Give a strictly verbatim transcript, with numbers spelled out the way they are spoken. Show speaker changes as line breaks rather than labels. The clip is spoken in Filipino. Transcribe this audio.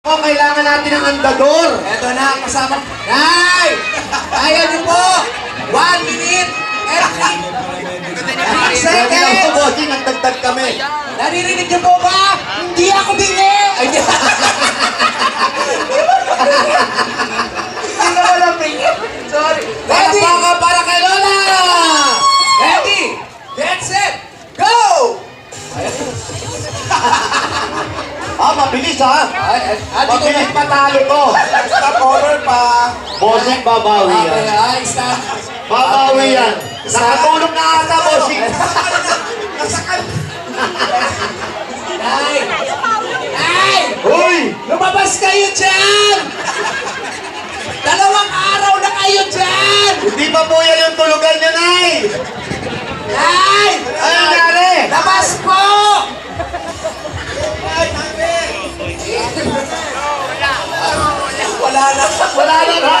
Oh, kailangan natin ng andador.
Eto na, kasama.
Nay! Kaya niyo po! One minute and three
Second!
seconds!
Bossing, nagtagtag kami.
Naririnig niyo po ba? Hindi ako bingi! Ay, di.
Hindi na wala pingi. Sorry.
Ready?
Palakpakan para kay Lola!
Ready? Get set! Go!
Ah, mabilis ha.
Ay, ay, ay, dito
Mabilis
na.
patalo to.
Stop over pa.
Bossing, babawi
Okay,
yan.
ay, stop.
Babawi yan. Nakatulog na ata, bossing.
Nasakal.
Nay! Nay!
Uy!
Lumabas